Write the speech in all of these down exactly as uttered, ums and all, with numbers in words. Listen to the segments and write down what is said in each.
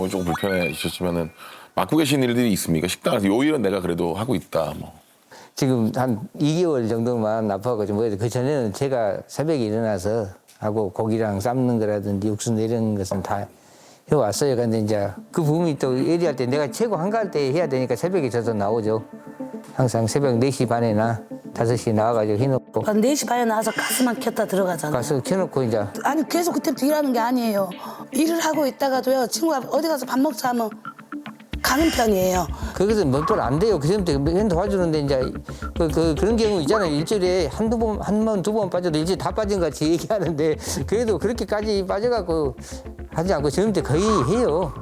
조금 불편해지셨지만은 맡고 계신 일들이 있습니까? 식당에서 요 일은 내가 그래도 하고 있다. 뭐. 지금 한 이 개월 정도만 아파가지고 뭐 그 전에는 제가 새벽에 일어나서 하고 고기랑 삶는 거라든지 육수 내리는 것은 다 해왔어요. 근데 이제 그 부분이 또 예리할 때 내가 최고 한가할 때 해야 되니까 새벽에 저도 나오죠. 항상 새벽 네 시 반에나 다섯 시에 나와가지고 해놓고 한 네 시 반에 나와서 가스만 켰다 들어가잖아요. 가서 켜놓고 이제 아니 계속 그때부터 일하는 게 아니에요. 일을 하고 있다가도요. 친구가 어디 가서 밥 먹자 하면 가는 편이에요. 거기서 몇번 안 돼요. 그 전부터 맨 도와주는데 이제 그, 그 그런 경우 있잖아요. 일주일에 한두 번, 한 번, 두 번 빠져도 일주일에 다 빠진 것 같이 얘기하는데 그래도 그렇게까지 빠져갖고 하지 않고 지금부터 거의 해요.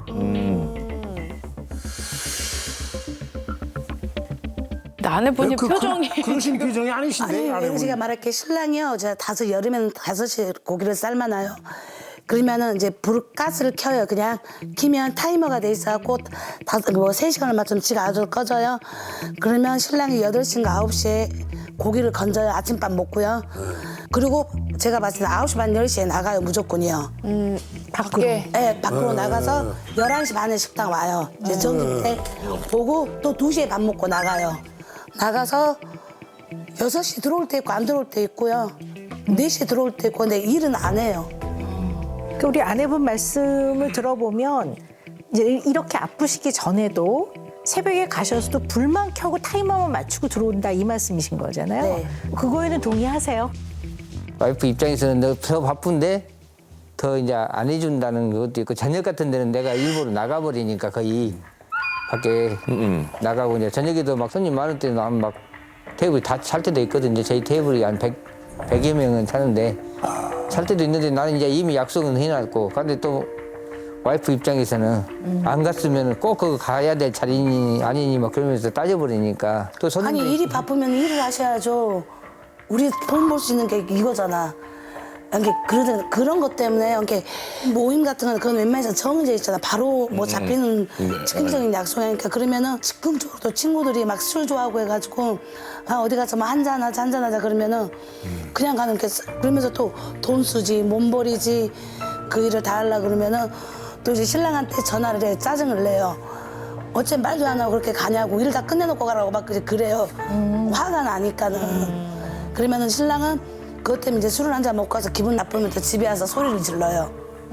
아내분이 그, 표정이 그, 그러신 표정이 아니신데 아니 아내분이. 제가 말할게 신랑이요. 제가 다섯 여름에는 다섯 시에 고기를 삶아놔요. 그러면은 이제 불 가스를 켜요. 그냥 키면 타이머가 돼 있어갖고 다섯 뭐세 시간을 맞추면 지가 아주 꺼져요. 그러면 신랑이 여덟 시인가 아홉 시에 고기를 건져요. 아침밥 먹고요. 그리고 제가 봤을 때 아홉 시 반 열 시에 나가요 무조건이요. 음, 밖에 네, 밖으로 나가서 열한 시 반에 식당 와요. 이제 점심 때 보고 또 두 시에 밥 먹고 나가요. 나가서 여섯 시 들어올 때 있고 안 들어올 때 있고요. 네 시에 들어올 때 있고 근데 일은 안 해요. 그 우리 아내분 말씀을 들어보면 이제 이렇게 아프시기 전에도 새벽에 가셔서도 불만 켜고 타이머만 맞추고 들어온다 이 말씀이신 거잖아요. 네. 그거에는 동의하세요? 와이프 입장에서는 너 더 바쁜데 더 이제 안 해준다는 것도 있고 저녁 같은 데는 내가 일부러 나가버리니까 거의 밖에 나가고 이제 저녁에도 막 손님 많을 때는 막 테이블 다 찰 때도 있거든요. 저희 테이블이 한 백, 백여 명은 차는데 찰 때도 있는데 나는 이제 이미 약속은 해놨고 근데 또 와이프 입장에서는 음. 안 갔으면 꼭 그거 가야 될 자리니 아니니 막 그러면서 따져버리니까 또 손님들이 아니 일이 바쁘면 일을 하셔야죠. 우리 돈 벌 수 있는 게 이거잖아. 이렇게 그런 그런 것 때문에 이렇게 모임 같은 거는 그건 웬만해서 정해져 있잖아. 바로 뭐 잡히는 즉흥적인 약속이니까 그러면은 즉흥적으로 또 친구들이 막 술 좋아하고 해가지고 아 어디 가서 뭐 한잔 하자 한잔 하자 그러면은 그냥 가는 게 그러면서 또 돈 쓰지 몸버리지 그 일을 다 하려 그러면은 또 이제 신랑한테 전화를 해 짜증을 내요. 어째 말도 안 하고 그렇게 가냐고 일 다 끝내놓고 가라고 막 그래요. 화가 나니까는. 그러면은 신랑은 그것 때문에 이제 술을 한 잔 먹고 와서 기분 나쁘면 또 집에 와서 소리를 질러요.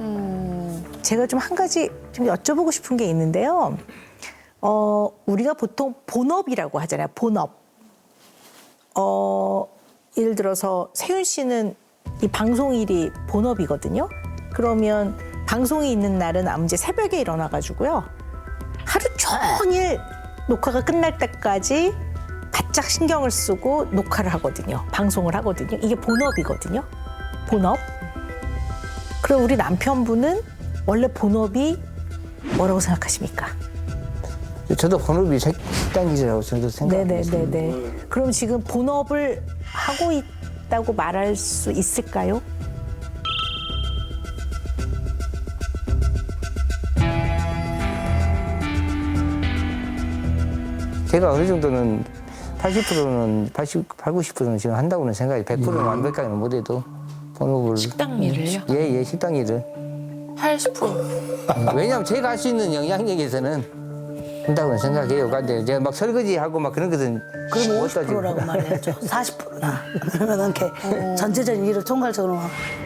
제가 좀 한 가지 좀 여쭤보고 싶은 게 있는데요. 어, 우리가 보통 본업이라고 하잖아요. 본업. 어, 예를 들어서 세윤 씨는 이 방송일이 본업이거든요. 그러면 방송이 있는 날은 아무튼 새벽에 일어나가지고요. 하루 종일 녹화가 끝날 때까지 바짝 신경을 쓰고 녹화를 하거든요. 방송을 하거든요. 이게 본업이거든요. 본업. 그럼 우리 남편분은 원래 본업이 뭐라고 생각하십니까? 저도 본업이 식당 기자라고 저도 생각하고 있습니다. 네네네네. 그럼 지금 본업을 하고 있다고 말할 수 있을까요? 제가 어느 정도는 팔십 퍼센트는 팔십, 팔, 구십 퍼센트는 지금 한다고는 생각해요. 백 퍼센트는 완벽하게는 못해도 본업을 식당 일을요? 예, 예, 식당 일을. 팔십 퍼센트. 왜냐하면 제가 할 수 있는 영향력에서는 한다고는 생각해요. 근데 제가 막 설거지하고 막 그런 것은 그럼 못 오십 퍼센트라고 따지고. 말해야죠. 사십 퍼센트나. 그러면 이렇게 전체적인 일을 총괄적으로